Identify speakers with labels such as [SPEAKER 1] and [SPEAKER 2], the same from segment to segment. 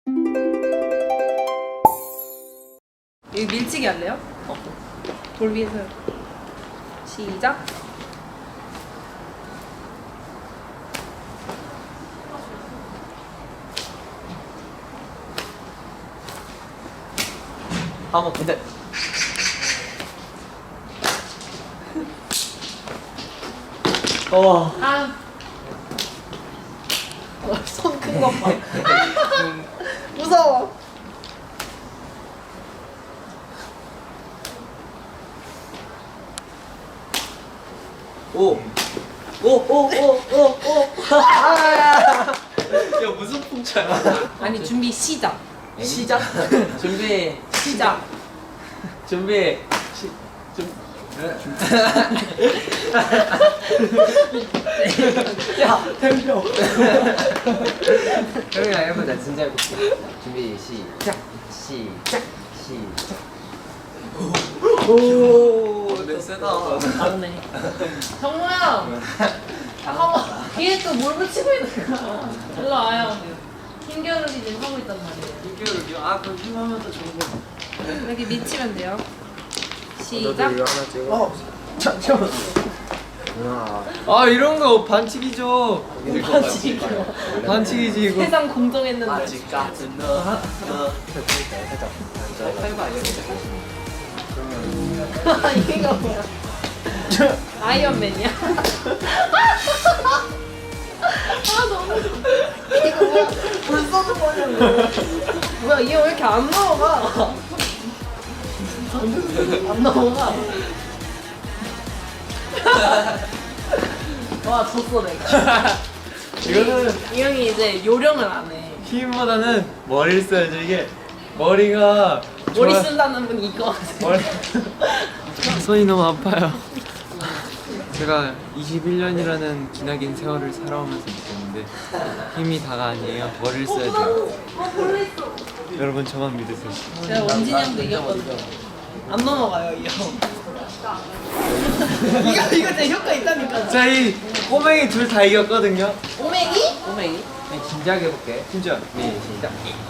[SPEAKER 1] 여기 밀치기 할래요? 돌 위에서 시작.
[SPEAKER 2] 한번 근데
[SPEAKER 1] 손 큰 거 봐. 무서워.
[SPEAKER 2] 오 야 무슨 풍차야?
[SPEAKER 1] 아니 준비 시작.
[SPEAKER 2] 시작. 준비
[SPEAKER 1] 시작.
[SPEAKER 2] 준비 야 템표 형이랑 해보자. 진짜 해볼게. 준비 시작. 오 세다.
[SPEAKER 1] 맞네. 정모야. 잠깐만. 뒤에 또 뭘 붙이고 있는 거야. 일로 와요. 힘겨루기 지금 하고 있단 말이에요.
[SPEAKER 2] 이겨요. 아 그럼 힘하면 더 좋은 거.
[SPEAKER 1] 이렇게 미치면 돼요. 시작.
[SPEAKER 2] 잠깐만. 아 이런 거 반칙이죠. 반칙이지 이거.
[SPEAKER 1] 세상 공정했는데.
[SPEAKER 2] 아직 같은 너.
[SPEAKER 1] 이거 뭐야? 아이언맨이야? 아 너무 이거 뭐야? 불 쏘는 거냐고. 뭐야 이 형 왜 이렇게 안 넘어가? 안 넘어가. 와 졌어 내가.
[SPEAKER 2] 이거는
[SPEAKER 1] 이 형이 이제 요령을 안 해.
[SPEAKER 2] 힘보다는 머리를 써야죠. 이게 머리가
[SPEAKER 1] 머리
[SPEAKER 2] 좋아-
[SPEAKER 1] 쓴다는 분 이거 하세요.
[SPEAKER 2] 머리 손이 너무 아파요. 제가 21년이라는 기나긴 세월을 살아오면서 느꼈는데 힘이 다가 아니에요. 머리를 써야 돼요.
[SPEAKER 1] 벌레 있어.
[SPEAKER 2] 여러분 저만 믿으세요.
[SPEAKER 1] 제가 원진이 형도 이겼거든요. 안 넘어가요 이 형. 이거 제 효과 있다니까.
[SPEAKER 2] 저희 꼬맹이 둘 다 이겼거든요.
[SPEAKER 1] 오맹이?
[SPEAKER 2] 꼬맹이? 진지하게 해볼게. 진지하게. 네, 시작.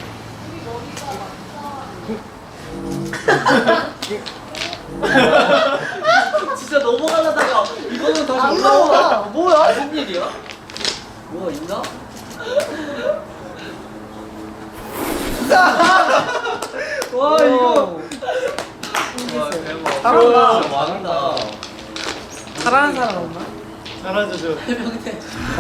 [SPEAKER 2] 진짜 넘어가려다가 이거는 다시
[SPEAKER 1] 안
[SPEAKER 2] 올라오나?
[SPEAKER 1] 넘어가.
[SPEAKER 2] 뭐야? 무슨 일이야? 뭐가 있나? 와 이거 와 대박.
[SPEAKER 1] 잘한다.
[SPEAKER 2] 진짜 많다.
[SPEAKER 1] 잘하는 사람 없나?
[SPEAKER 2] 잘하죠 저. 해병대.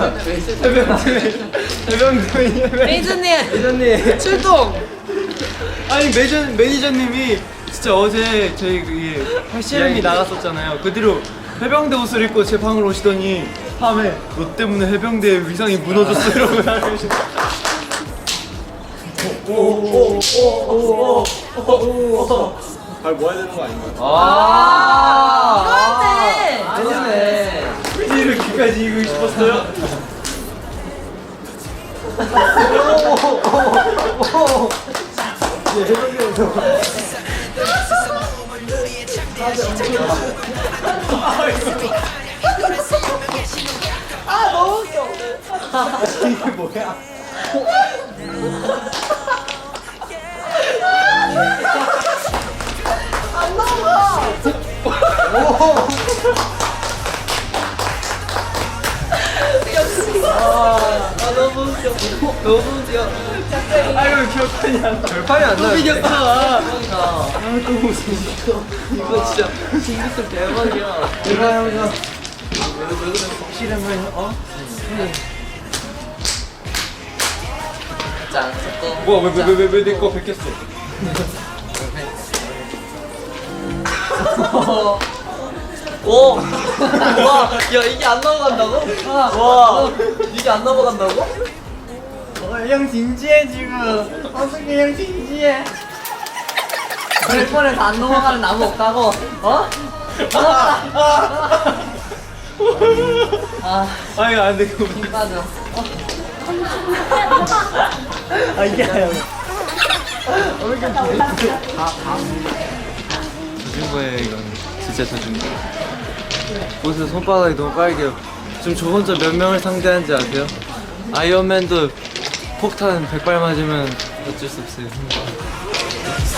[SPEAKER 2] 해병대.
[SPEAKER 1] 메이저님
[SPEAKER 2] 매니저님.
[SPEAKER 1] 출동.
[SPEAKER 2] 아니 매니저님이 진짜 어제 저희 그 팔씨름이 나갔었잖아요. 그 뒤로 해병대 옷을 입고 제 방으로 오시더니 밤에 너 때문에 해병대의 위상이 무너졌어 이러고 나가시죠. 발 모아야 되는 거 아닌가요?
[SPEAKER 1] 이거였네.
[SPEAKER 2] 굳이 이렇게까지 이기고 싶었어요?
[SPEAKER 1] 아 너무 웃겨.
[SPEAKER 2] 이게 뭐야?
[SPEAKER 1] 안 나와.
[SPEAKER 2] 너무 웃겨. 너무 웃겨. 아이고 기억하니 안 나. 별판이 안 나. 또 이겼어. 너무 웃겨. 이거 진짜 징크스 대박이야. 내가 형이야. 왜 그래? 확실하면
[SPEAKER 3] 짠.
[SPEAKER 2] 뭐야 왜 내 거 베꼈어?
[SPEAKER 3] 오! 와, 야 이게 안 넘어간다고? 와, 이게 안 넘어간다고?
[SPEAKER 2] 형 진지해 지금. 어떻게 형 진지해?
[SPEAKER 3] 그럴 뻔해서 안 넘어가는 나무 없다고? 어?
[SPEAKER 2] 아니 안 돼. 그거
[SPEAKER 3] 힘 빠져.
[SPEAKER 2] 아 이게 아니야. 젖은 거예요 이건. 진짜 젖은 거. 보세요 손바닥이 너무 빨개요. 지금 저 혼자 몇 명을 상대하는지 아세요? 아이언맨도 폭탄 100발 맞으면 어쩔 수 없어요.